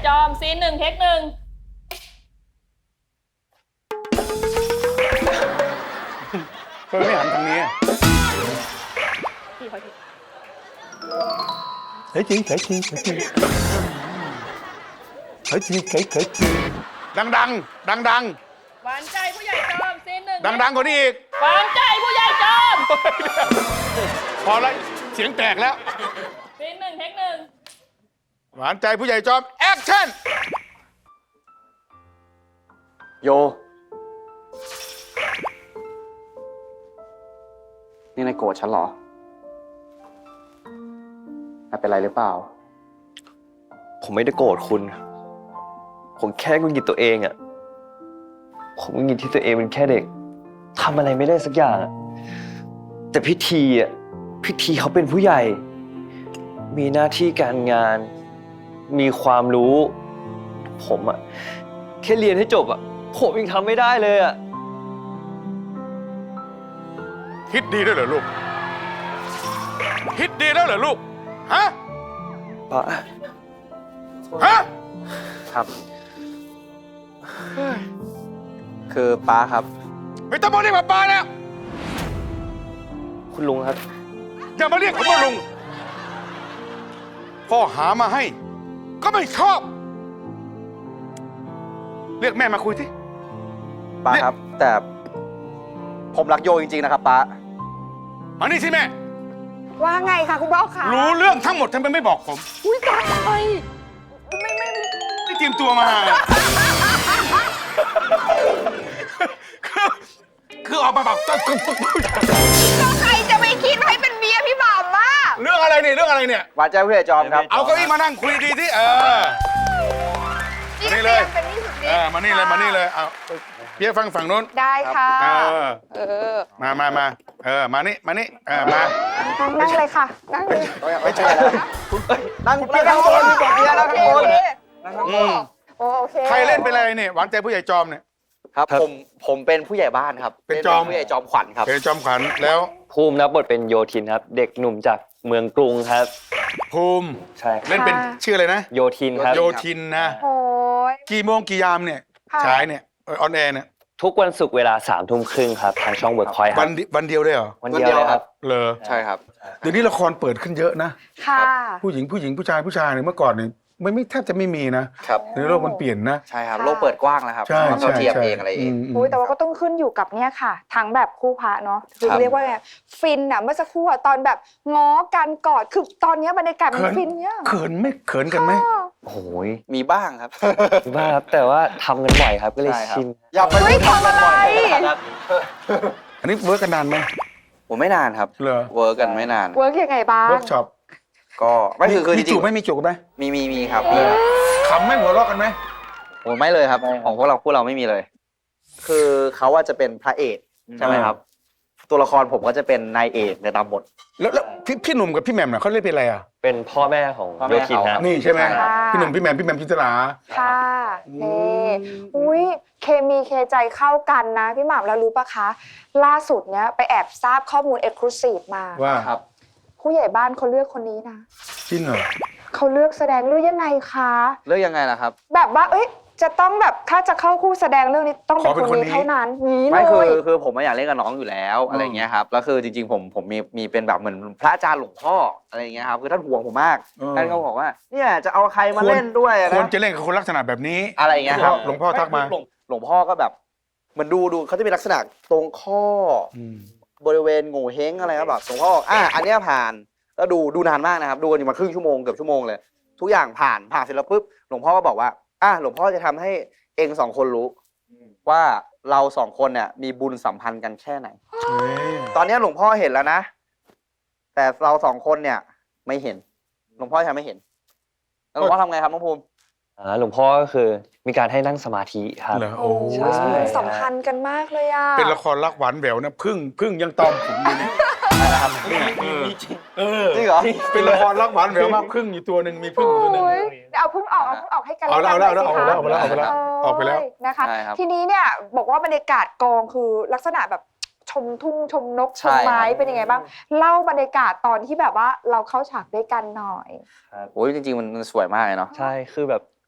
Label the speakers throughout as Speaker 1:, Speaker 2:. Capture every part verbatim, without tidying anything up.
Speaker 1: จอมซีนหนึ่งเทคหนึ่ง
Speaker 2: เพื่อไม่หันทางนี้เฮ้ยจริงเฮ้ยจริงเฮ้ยจริงเฮ้ยจริงเฮ้ยเฮ้ยจริงดังดังดังดัง
Speaker 1: หวานใจผู้ใหญ่จอมซีนหนึ่ง
Speaker 2: ดังดังกว่านี้อีก
Speaker 1: หวานใจผู้ใหญ่จอม
Speaker 2: พอแล้วเสียงแตกแล้ว
Speaker 1: ซีนหนึ่งเทคหนึ่ง
Speaker 2: หวานใจผู้ใหญ่จอมแอคชั่น
Speaker 3: โยนี่นายโกรธฉันเหรอนายเป็นไรหรือเปล่า
Speaker 4: ผมไม่ได้โกรธคุณ ผมแค่หงุดหงิดตัวเองอะผมหงุดหงิดที่ตัวเองเป็นแค่เด็กทำอะไรไม่ได้สักอย่างอะแต่พิธีอะพิธีเขาเป็นผู้ใหญ่ มีหน้าที่การงาน มีความรู้ ผมอะแค่เรียนให้จบอะผมยังทำไม่ได้เลยอะ
Speaker 2: คิดดีด้วยเหรอลูกคิดดีแล้วเหรอลูกฮะ
Speaker 4: ป้า
Speaker 2: ฮะ
Speaker 3: ครับ คือป้าครับ
Speaker 2: ไม่ต้องมาเรียกป้าแล้ว
Speaker 4: คุณลุงครับ
Speaker 2: อย่ามาเรียกผมว่าลุงพ่อหามาให้ก็ไม่ชอบเรียกแม่มาคุยสิ
Speaker 3: ป้าครับ แต่ผมรักโยจริงๆนะครับป้า
Speaker 2: มานี่สิแม่
Speaker 5: ว่าไงคะคุณพ่อคะ
Speaker 2: รู้เรื่องทั้งหมดทำไมไม่บอกผม
Speaker 5: อุ้ยตายไปไม่ไม่
Speaker 2: ไม่เตรียมตัวมาคือคือออกมาแบบ
Speaker 5: ก็ใครจะไปคิดให้เป็นเมียพี่บ่าวมา
Speaker 2: เรื่องอะไรเนี่ยเรื่องอะไรเนี่ย
Speaker 3: หวานใจผู้ใหญ่จอมครับ
Speaker 2: เอาเก้าอี้มานั่งคุยดีที่เออมานี่เลยเออมานี่เลยมานี่เลยเอาเพี่ฟังฝั่งนู้น
Speaker 5: ได้ค่ะ
Speaker 2: เออ
Speaker 5: เออ
Speaker 2: มามามาเออมานี่มานี่เออมา
Speaker 5: นั่งเลยค่ะนั่งเลย
Speaker 3: ไม่ใช่แล้วนั่งนั่งข้างบนพี่บอกเมียแล้วข้างบน
Speaker 5: นั่งข้างบนโอเค
Speaker 2: ใครเล่นเป็นอะไรเนี่ยหวานใจผู้ใหญ่จอมเนี่ย
Speaker 3: ครับผมผมเป็นผู้ใหญ่บ้านครับ
Speaker 2: เป็นจอม
Speaker 3: ผู้ใหญ่จอมขวัญครับ
Speaker 2: เป็นจอมขวัญแล้ว
Speaker 4: ภูมิรับบทเป็นโยทินครับเด็กหนุ่มจากเมืองกรุงครับ
Speaker 2: ภูมิ
Speaker 4: ใช่
Speaker 2: เล่นเป็นชื่ออะไรนะ
Speaker 4: โยทินครับ
Speaker 2: โยทินนะ
Speaker 5: โอ้ย
Speaker 2: กี่โมงกี่ยามเนี่ยฉายเนี่ยออนแอร์เนี่ย
Speaker 4: ทุกวันศุกร์เวลาสามทุ่มครึ่งครับทางช่องเวิร์กพอยต์ครับ
Speaker 2: วันวันเดียวได้เหรอ
Speaker 4: วันเดียวเลยครับ
Speaker 2: เลอ
Speaker 3: ใช่ครับ
Speaker 2: เดี๋ยวนี้ละครเปิดขึ้นเยอะนะ
Speaker 5: ค่ะ
Speaker 2: ผู้หญิงผู้หญิงผู้ชายผู้ชายเนี่ยเมื่อก่อนเนี่ยไม่ไม่แทบจะไม่มีนะครับในโลกมันเปลี่ยนนะ
Speaker 3: ใช่ครับโลกเปิดกว้างแล้วครับ
Speaker 2: ใช่ใช่
Speaker 3: เทียบเองอะไรเอง
Speaker 5: อุ้ยแต่ว่าก็ต้องขึ้นอยู่กับเนี่ยค่ะทั้งแบบคู่พระเนาะคือเรียกว่าไงฟินอ่ะเมื่อสักครู่ตอนแบบง้อกันกอดคือตอนนี้บรรยากาศมันฟินเนี่ย
Speaker 2: เขินไหมเขินกันไหม
Speaker 4: โอ้ย
Speaker 3: มีบ้างครับ
Speaker 4: มีบ้างครับแต่ว่าทำกันบ่อยครับก็เลยชิน
Speaker 3: อย่าไป
Speaker 5: ทำอะไร
Speaker 2: อันนี้เวิร์กกันนานไหม
Speaker 3: ผมไม่นานครับ
Speaker 2: เหรอ
Speaker 3: เวิร์กกันไม่นาน
Speaker 5: เวิร์กยังไงบ้าง
Speaker 2: เวิร์กช็อป
Speaker 3: ก็ไม่คือคือจริง
Speaker 2: มีจูบไหมมีจูบไหม
Speaker 3: มีมีมีครับ
Speaker 2: ขำไหมหัวเราะกันไหม
Speaker 3: โอ้ไม่เลยครับของพวกเราพวกเราไม่มีเลยคือเขาว่าจะเป็นพระเอกใช่ไหมครับตัวละครผมก็จะเป็นนายเอกในตามบท
Speaker 2: แล้วแล้วพี่พี่หนุ่มกับพี่แหม่มน่ะเขาเล่นเป็นอะไรอ่ะ
Speaker 4: เป็นพ่อแม่ของโยทินครับ
Speaker 2: นี่ใช่ไหมพี่หนุ่มพี่แหม่มพี่แหม่มจินตลา
Speaker 5: ค่ะนี่อุ้ยเคมีเคใจเข้ากันนะพี่หม่ำแล้วรู้ปะคะล่าสุดเนี้ยไปแอบทราบข้อมูลเอ็กซ์คลูซีฟมา
Speaker 2: ว่าครับ
Speaker 5: ผู้ใหญ่บ้านเขาเลือกคนนี้นะ
Speaker 2: จริงเหรอ
Speaker 5: เขาเลือกแสดงเลือกยังไงคะ
Speaker 3: เลือกยังไงล่ะครับ
Speaker 5: แบบว่าเอ้ยจะต้องแบบถ้าจะเข้าคู่แสดงเรื่องนี้ต้องเป็นคนนี้เท่านั้นนี้เลย
Speaker 3: ไม่คือคือผมไม่อยากเล่นกับน้องอยู่แล้วอะไรเงี้ยครับแล้วคือจริงๆผมผมมีมีเป็นแบบเหมือนพระอาจารย์หลวงพ่ออะไรเงี้ยครับคือท่านห่วงผมมากท่านก็บอกว่าเนี่ยจะเอาใครมาเล่นด้วยนะ
Speaker 2: ควรจะเล่นกับคนลักษณะแบบนี้
Speaker 3: อะไรเงี้ยครับ
Speaker 2: หลวงพ่อทักมา
Speaker 3: หลวงพ่อก็แบบเหมือนดูดูเขาจะมีลักษณะตรงข้อบริเวณโง่เฮงอะไรครับแบบหลวงพ่ออ่ะอันนี้ผ่านแล้วดูดูนานมากนะครับดูกันอยู่มาครึ่งชั่วโมงเกือบชั่วโมงเลยทุกอย่างผ่านผ่านเสร็จแล้วปุ๊บหลวงพ่อก็บอกว่าอ่ะหลวงพ่อจะทำให้เองสองคนรู้ว่าเราสองคนเนี่ยมีบุญสัมพันธ์กันแค่ไหนตอนนี้หลวงพ่อเห็นแล้วนะแต่เราสองคนเนี่ยไม่เห็นหลวงพ่อทำไม่เห็นแล้วหลวงพ่อทำไงครับน้องภูมิ
Speaker 4: อ่าหลวงพ่อก็คือมีการให้นั่งสมาธิครับ
Speaker 2: โอ้
Speaker 5: ใช่สัมพันธ์กันมากเลยอ่ะ
Speaker 2: เป็นละครรักหวานแหววนะพึ่งพึ่งยังตอมผมอยู่นี่เออ
Speaker 3: จริงเหรอ
Speaker 2: เป็นละครรักหวานแหววมากพึ่งอยู่ตัวหนึ่งมีพึ่งตัวหนึ่ง
Speaker 5: เอาพึ่งออกเอาพึ่งออกให้กัน
Speaker 2: เอาแล้วเอาแล้วเอาแล้วเอาแล้วเอาแล้วออกไปแล้ว
Speaker 5: นะคะทีนี้เนี่ยบอกว่าบรรยากาศกองคือลักษณะแบบชมทุ่งชมนกชมไม้เป็นยังไงบ้างเล่าบรรยากาศตอนที่แบบว่าเราเข้าฉากด้วยกันหน่อย
Speaker 3: โอ้ยจริงๆมันสวยมากเลยเนาะ
Speaker 4: ใช่คือแบบ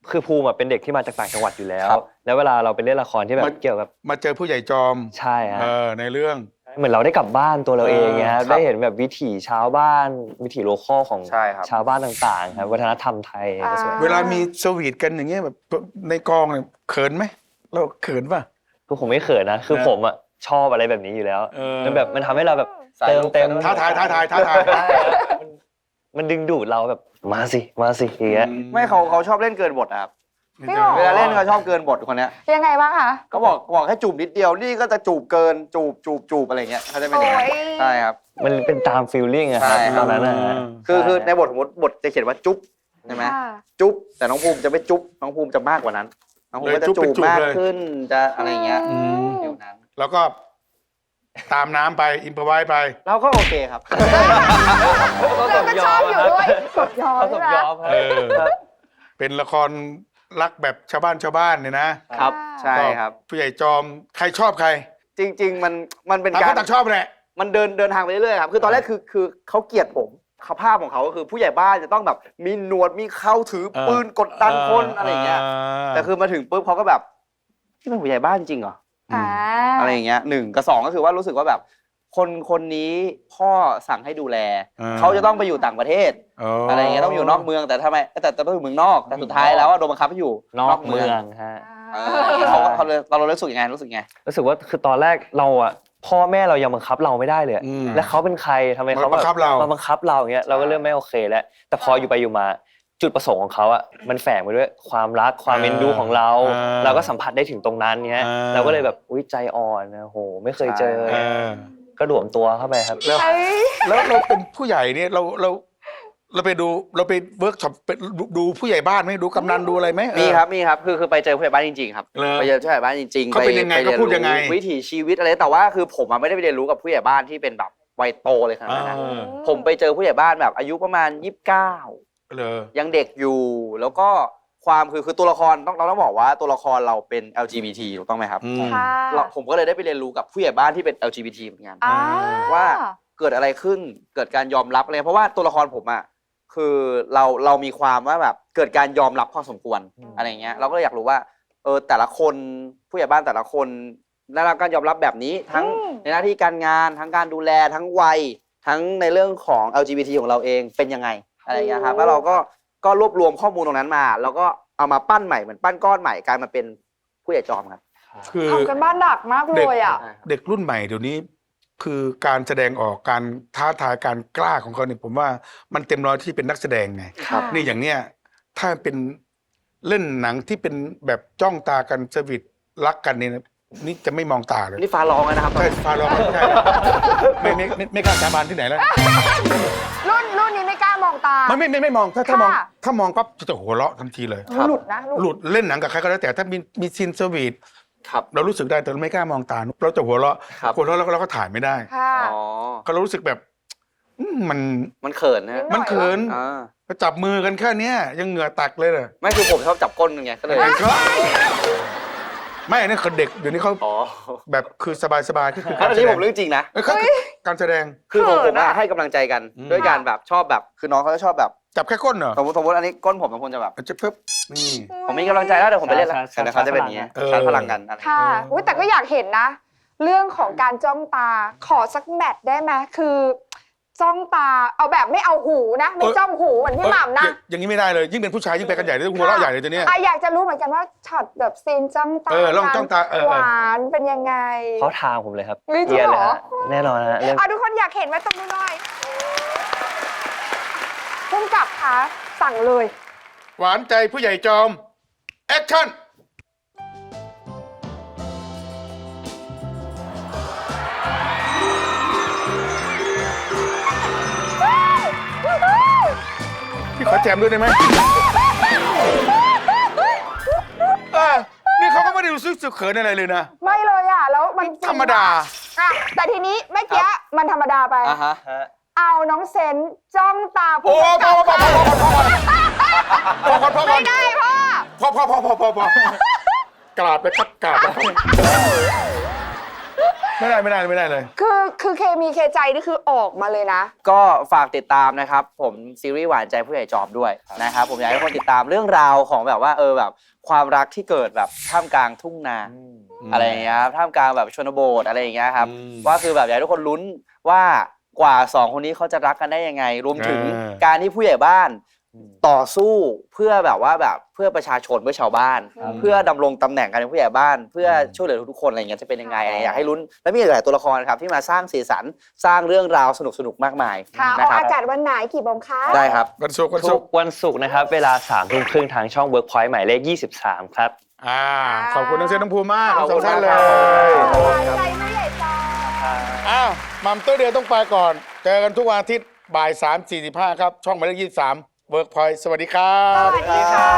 Speaker 4: คือภูมิอะเป็นเด็กที่มาจากต่างจังหวัดอยู่แล้ว
Speaker 3: ครับ
Speaker 4: แล้วเวลาเราไปเล่นละครที่แบบ
Speaker 2: มัน
Speaker 4: เกี่ยวกับ
Speaker 2: มาเจอผู้ใหญ่จอม
Speaker 4: ใช่ฮะ
Speaker 2: เออในเรื่อง
Speaker 4: เหมือนเราได้กลับบ้านตัวเราเองไง
Speaker 2: เออ
Speaker 4: ฮะ
Speaker 3: ครับ
Speaker 4: ได้เห็นแบบวิถีชาวบ้านวิถีโลคอลของ
Speaker 3: ใช่ครับ
Speaker 4: ชาวบ้านต่างๆครับวัฒนธรรมไทยก็สวย
Speaker 2: เวลามีสวีทกันอย่างเงี้ยแบบในกองเนี่ยเขินไหมเราเขินป่ะ
Speaker 4: คือผมไม่เขินนะ คือ
Speaker 2: นะ
Speaker 4: ผมอ่ะชอบอะไรแบบนี้อยู่แล้ว
Speaker 2: เออ
Speaker 4: มันแบบมันทำให้เราแบบ
Speaker 3: สาย
Speaker 4: เติม
Speaker 3: ลุก
Speaker 4: เต็ม
Speaker 2: ท้าทายท้าทายท้าทาย
Speaker 4: ใช่ครับมันมันดึงดูดเราแบบมาสิมาสิอย่างเงี้ย
Speaker 3: ไม่เขาเขาชอบเล่นเกินบทอะครับ
Speaker 5: พี่หรอ
Speaker 3: เวลาเล่นเขาชอบเกินบทคนเนี้ย
Speaker 5: ยังไงบ้างคะ
Speaker 3: เขาบอกบอกให้จูบนิดเดียวนี่ก็จะจูบเกินจูบจูบจูบอะไรเงี้ยเขาจะเป็นอย่างนั้น
Speaker 5: โอ้ย
Speaker 3: ใช่ครับ
Speaker 4: มันเป็นตามฟีลลิ่งอะครับ
Speaker 3: ใช่ค
Speaker 4: ต
Speaker 3: รั
Speaker 4: อบ นนั้นนะฮะ
Speaker 3: คือคือ
Speaker 4: ใช่
Speaker 3: ในบทสมมติบทจะเขียนว่าจุ๊บใช่ไหม
Speaker 5: ค่ะ
Speaker 3: จุ๊บแต่น้องภูมิจะไม่จุ๊บน้องภูมิจะมากกว่านั้นน้องภูมิก็จะ
Speaker 2: เลยจุ๊บ
Speaker 3: จู
Speaker 2: เป็น
Speaker 3: บ
Speaker 2: จูบ
Speaker 3: มาก
Speaker 2: เลย
Speaker 3: ขึ้นจะอะไรเงี้ย
Speaker 2: อืม
Speaker 3: เดี๋ยวนั้น
Speaker 2: แล้วก็ตามน้ำไปอินพอไว้ไป
Speaker 3: เราก็โอเคครับ
Speaker 5: เราก็ชอบอยู่ด้วยสดยอม
Speaker 4: เขาส
Speaker 5: ใช่
Speaker 4: ม
Speaker 5: ไหม
Speaker 4: ยอม
Speaker 2: เออ
Speaker 4: ครับ
Speaker 2: เป็นละครรักแบบชาวบ้านชาวบ้านเนี่ยนะครับ
Speaker 3: ใช่ครับ
Speaker 2: ก็ผู้ใหญ่จอมใครชอบใคร
Speaker 3: จริง ๆ มันมันเป็น
Speaker 2: ต่าง
Speaker 3: กา
Speaker 2: ค
Speaker 3: ร
Speaker 2: นต่างชอบแหละ
Speaker 3: มันเดินเดินทางไปเรื่อยๆครับคือตอนแรกคือคือเขาเกลียดผมเขาภาพของเขาก็คือผู้ใหญ่บ้านจะต้องแบบมีหนวดมีเข้าถือ
Speaker 2: เออ
Speaker 3: ปืนกดดันคนอะไรเงี้ยแต่คือมาถึงปุ๊บเขาก็แบบที่เป็นผู้ใหญ่บ้านจริงเหรอ
Speaker 5: อ่า
Speaker 3: อะไรอย่างเงี้ยหนึ่งกับสองก็คือว่ารู้สึกว่าแบบ คนคนนี้พ่อสั่งให้ดูแล
Speaker 2: อ่า
Speaker 3: เขาจะต้องไปอยู่ต่างประเทศ อะไรอย่างเงี้ยต้องอยู่นอกเมืองแต่ทำไมแต่แต่ต้องอยู่เมืองนอก แต่สุดท้ายแล้วอะโดนบังคับให้อยู่
Speaker 4: นอกเมืองฮะ
Speaker 3: เออเขาเขาเลยเรารู้สึกยังไงรู้สึกยังไง
Speaker 4: รู้สึกว่าคือตอนแรกเราอ่ะพ่อแม่เรายังบังคับเราไม่ได้เลย
Speaker 2: อืม
Speaker 4: แล้วเขาเป็นใครทำไมเขา
Speaker 2: มาบังคับเรา
Speaker 4: มาบังคับเราอย่างเงี้ยเราก็เริ่มไม่โอเคแล้ว แต่พออยู่ไปอยู่มาจุดประสงค์ของเขาอ่ะมันแฝงไปด้วยความรักความเอ็นดูของเรา
Speaker 2: อ่า
Speaker 4: เราก็สัมผัสได้ถึงตรงนั้นเนี้ย
Speaker 2: อ่า
Speaker 4: เราก็เลยแบบอุ้ยใจอ่อนนะโหไม่เคยเจอ
Speaker 2: เออ
Speaker 4: ก็หลวมตัวเข้าไปครับ
Speaker 2: แล้ว
Speaker 5: เอ้ย
Speaker 2: แล้วเราเป็นผู้ใหญ่เนี่ยเราเราเราไปดูเราไปเวิร์กช็อปไปดูดูผู้ใหญ่บ้านไหมดูกำนันดูอะไรไหมเออ
Speaker 3: มีครับมีครับคือคือไปเจอผู้ใหญ่บ้านจริงๆครับ
Speaker 2: เหรอ
Speaker 3: ไปเจอผู้ใหญ่บ้านจริงๆ
Speaker 2: เขาเป็นยังไง
Speaker 3: ป
Speaker 2: เขาพูดยังไง
Speaker 3: เรีนรู้วิถีชีวิตอะไรแต่ว่าคือผมอะไม่ได้ไปเรียนรู้กับผู้ใหญ่บ้านที่เป็นแบบวัยโตเลยขนาดนั้นนะ
Speaker 2: เออ
Speaker 3: ผมไปเจอผู้ใหญ่บ้านแบบอายุประมาณยี่สิบเก้า
Speaker 2: เลย
Speaker 3: ยังเด็กอยู่แล้วก็ความคือคือตัวละครต้องเราต้องบอกว่าตัวละครเราเป็น แอล จี บี ที ถูกต้องไหมครับ
Speaker 2: อืม
Speaker 5: ค่ะ
Speaker 3: เราผมก็เลยได้ไปเรียนรู้กับผู้ใหญ่บ้านที่เป็น แอล จี บี ที เหมือนกัน
Speaker 5: อ่า
Speaker 3: ว่าเกิดอะไรขึ้นเกิดการยอมรับอะไรเพราะว่าตัวละครผมอ่ะคือเราเรามีความว่าแบบเกิดการยอมรับพอสมควร
Speaker 4: อืม
Speaker 3: อะไรเงี้ยเราก็เลยอยากรู้ว่าเออแต่ละคนผู้ใหญ่บ้านแต่ละคนได้รับการยอมรับแบบนี้ทั้ง
Speaker 5: อืม
Speaker 3: ในหน้าที่การงานทั้งการดูแลทั้งวัยทั้งในเรื่องของ แอล จี บี ที ของเราเองเป็นยังไงอะไรเงี้ยครับแล้วเราก็ก็รวบรวมข้อมูลตรงนั้นมา แล้วก็เอามาปั้นใหม่เหมือนปั้นก้อนใหม่กลายมาเป็นผู้ใหญ่จอมครับ
Speaker 2: คือ
Speaker 5: ทำกันบ้านหนักมากเลยอ่ะ
Speaker 2: เด็กรุ่นใหม่เดี๋ยวนี้ คือการแสดงออกการท้าทายการกล้าของเขาเนี่ยผมว่ามันเต็มร้อยที่เป็นนักแสดงไง
Speaker 5: ครับ
Speaker 2: นี่อย่างเนี้ยถ้าเป็นเล่นหนังที่เป็นแบบจ้องตากันสวิตรักกันเนี่ยนะนี่จะไม่มองตาเลย
Speaker 3: นี่ฟ้าร้องแล้วนะครับ
Speaker 2: ใช่ฟ้าร้องไม่ใช่ไม่ไม่ไม่ไม่กล้าสาบานที่ไหนแล้ว
Speaker 5: รุ่นรุ่นนี้ไม่กล้ามองตา
Speaker 2: มันไม่ไม่ไม่มองถ้าถ้ามอง
Speaker 5: ค่ะ
Speaker 2: ถ้ามองปั๊บจะหัวเราะทันทีเลย
Speaker 3: ครับ
Speaker 5: หลุดนะหลุด
Speaker 2: หลุดเล่นหนังกับใครก็แล้วแต่ถ้ามีมีซีนสวีท
Speaker 3: ครับ
Speaker 2: เรารู้สึกได้แต่เราไม่กล้ามองตาเราจะหัวเราะ
Speaker 3: ครับ
Speaker 2: หัวเราะแล้วเราก็ถ่ายไม่ได้
Speaker 5: ค่ะ
Speaker 3: อ๋อ
Speaker 2: ก็เรารู้สึกแบบอืมมัน
Speaker 3: มันเขินนะ
Speaker 2: มันเขิน
Speaker 3: อ่า
Speaker 2: ก็จับมือกันแค่เนี้ยยังเหงื่อตักเลยเลย
Speaker 3: ไม่คือผมชอบจับก้นไงก็เลย
Speaker 2: ไม่อันนี่คนเด็กเดี๋ยวนี้เขา
Speaker 3: อ๋อ
Speaker 2: แบบคือสบายๆที่คือ
Speaker 3: อั
Speaker 2: การ
Speaker 3: น
Speaker 2: แส
Speaker 3: นี้
Speaker 2: ด
Speaker 3: ผ
Speaker 2: ง
Speaker 3: มเรื่องจริงนะ
Speaker 2: เออเขาการแสดง
Speaker 3: คือผม
Speaker 5: เขิ
Speaker 3: ผม
Speaker 5: นอะ
Speaker 3: อะให้กำลังใจกัน
Speaker 2: อืม
Speaker 3: ด้วยการแบบชอบแบบคือน้องเขาจะชอบแบบ
Speaker 2: จับแค่ก้นเหรอ
Speaker 3: สมมติสมมติอันนี้ก้นผมสองคนจะแบบ
Speaker 2: จะเพิ่มนี่
Speaker 3: ผมมีกำลังใจแล้วเดี๋ยวผมไปเล่นแล้ว
Speaker 4: ชาร์จ
Speaker 3: เดี๋ยวเขาจะเป็นอย่างเงี้ย
Speaker 2: เออ
Speaker 3: ชาร์จพลังกันอะไร
Speaker 5: ค่ะอุ๊ยแต่ก็อยากเห็นนะ เรื่องของการจ้องตาขอสักแมทได้ไหมคือจ้องตาเอาแบบไม่เอาหูนะไม่จ้องหูเหมือนพี่หม่ำนะ
Speaker 2: เอ้ยอย่างนี้ไม่ได้เลยยิ่งเป็นผู้ชายยิ่งไปกันใหญ่เลยหัวเราะใหญ่เลยตัวเนี้ย
Speaker 5: อ่ะอยากจะรู้เหมือนกันว่าช็อตแบบซีนจ้องตา
Speaker 2: เออลองจ้องตาเออเออ
Speaker 5: หวานเป็นยังไง
Speaker 4: เขาทางผมเลยครับ
Speaker 5: เฮ้ยจริง
Speaker 4: เกลียด
Speaker 5: เหร
Speaker 4: เลย
Speaker 5: อ
Speaker 4: ฮะแน่นอนฮะเรื่อง
Speaker 5: อ่ะทุกคนอยากเห็นไหมตรงนี้หน่อยพุ่มกับคะสั่งเลย
Speaker 2: หวานใจผู้ใหญ่จอมแอคชั่น พี่ขอแจมด้วยได้ไหมเออนี่เขาก็ไม่ได้รู้สึกสึกเขินอะไรเลยนะ
Speaker 5: ไม่เลยอ่ะแล้วมัน
Speaker 2: ธรรมดา
Speaker 5: อ่ะแต่ทีนี้เมื่อกี้มันธรรมดาไป
Speaker 3: อ่ะฮะ
Speaker 4: ฮะ
Speaker 5: เอาน้องเซนจ้องตา
Speaker 2: โอ้
Speaker 5: ผู้
Speaker 2: พอก
Speaker 5: ำ
Speaker 2: พ
Speaker 5: กั
Speaker 2: อบ พอพอพอพอพอพอพอ
Speaker 5: ไม่ได้พ่อ
Speaker 2: พอพอพอพอพอพอกราบไปครับกราบไปครับไม่ได้ไม่ได้ไม่ได้เลย
Speaker 5: คือคือเคมีเคใจนี่คือออกมาเลยนะ
Speaker 3: ก็ฝากติดตามนะครับ ผมซีรีส์หวานใจผู้ใหญ่จอมด้วยนะครับผมอยากให้คนติดตามเรื่องราวของแบบว่าเออแบบความรักที่เกิดแบบท่ามกลางทุ่งนาอะไรอย่างเงี้ยครับท่ามกลางแบบชนบทอะไรอย่างเงี้ยครับ
Speaker 2: อืม
Speaker 3: ว่าคือแบบอยากให้ทุกคนลุ้นว่ากว่าสองคนนี้เขาจะรักกันได้ยังไง รวมถึง
Speaker 2: เออ
Speaker 3: การที่ผู้ใหญ่บ้านต่อสู้เพื่อแบบว่าแบบเพื่อประชาชนเพื่อชาวบ้าน
Speaker 5: ครับ
Speaker 3: เพื่อดำรงตำแหน่งการเป็นผู้ใหญ่บ้าน เพื่อช่วยเหลือทุกๆคนอะไรอย่างเงี้ยจะเป็นยังไงอะไรอยากให้ลุ้นและมีหลายตัวละครครับที่มาสร้างสีสันสร้างเรื่องราวสนุกๆมากมาย
Speaker 5: ค่ะอ
Speaker 3: นะ
Speaker 5: อก
Speaker 3: ครับ
Speaker 5: อากาศวันไหนกี่โมงคะ
Speaker 3: ได้ครับ
Speaker 2: วันศุกร์วัน
Speaker 4: ทุ
Speaker 2: ศุ
Speaker 4: ก
Speaker 2: กร์
Speaker 4: วันศุกร์นะครับ เวลาสามทุ่มครึ่งทางช่อง Workpoint หมายเลขยี่สิบสามครับ
Speaker 2: อ่าขอบคุณน้องเซนน้องภูมิมาก
Speaker 3: ขอบ
Speaker 2: ทั้งส
Speaker 3: คุ
Speaker 2: อง
Speaker 3: ณ
Speaker 2: ท่าน
Speaker 3: มาก
Speaker 2: เล
Speaker 3: ครับ
Speaker 2: ย
Speaker 5: หวานใจผู้ใหญ่จอม
Speaker 2: อ้าวมัมเตอร์เดียวต้องไปก่อน เจอกันทุกวันอาทิตย์บ่ายสามสี่สิบห้าครับ ช่องหมายเลขยี่สิบสามเวิร์กพอยต์สวัสดีครั
Speaker 5: ส
Speaker 2: บ
Speaker 5: วัสดีค่ะ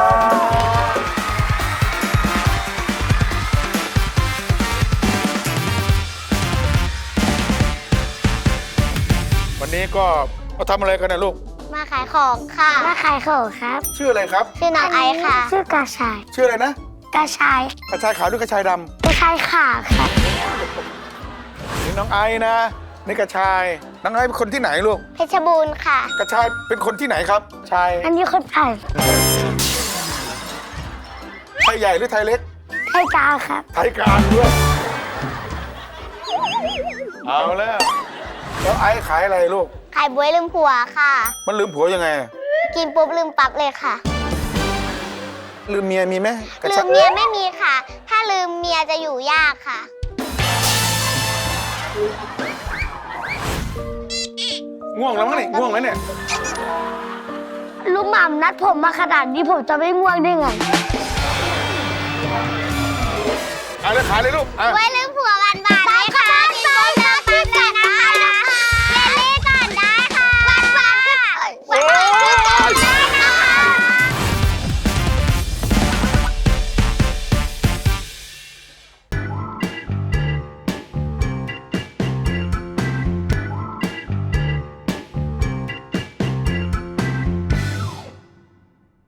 Speaker 2: วันนี้ก็มาทำอะไรกันนะลูก
Speaker 6: มาขายของค่ะ มาขายของครับ
Speaker 2: ชื่ออะไรครับ
Speaker 6: ชื่อน้องไอซ์ค่ะ ชื่อกระชาย
Speaker 2: ชื่ออะไรนะ
Speaker 6: กระชาย
Speaker 2: กระชายขาวหรือกระชายด
Speaker 6: กระชายขาค่ะ
Speaker 2: ำนี่น้องไอ้นะนี่กระชาย น้องไอ้เป็นคนที่ไหนลูก
Speaker 6: เพชรบูรณ์ค่ะ
Speaker 2: กระชายเป็นคนที่ไหนครับ ชาย
Speaker 6: อันนี้คนไทย
Speaker 2: ไทยใหญ่หรือไทยเล็ก
Speaker 6: ไทยกลางครับ
Speaker 2: ไทยกลางด้วย เอาแล้ว แล้วไอ้ขายอะไรลูก
Speaker 6: ขายบวยลืมผัวค่ะ
Speaker 2: มันลืมผัวยังไง
Speaker 6: กินปุ๊บลืมปั๊บเลยค่ะ
Speaker 2: ลืมเมียมีไหมกระ
Speaker 6: ลื
Speaker 2: ชาม ย
Speaker 6: เมียไม่มีค่ะ ถ้าลืมเมียจะอยู่ยากค่ะ
Speaker 2: ง่วงแล้วมั้งนี่ง่วงแล้วเนี่ย
Speaker 6: ลุงหม่ำนัดผมมาขนาดนี้ผมจะไม่ง่วงได้ไง
Speaker 2: เอาเลยขายเลยลูกอ่ะ
Speaker 6: บวย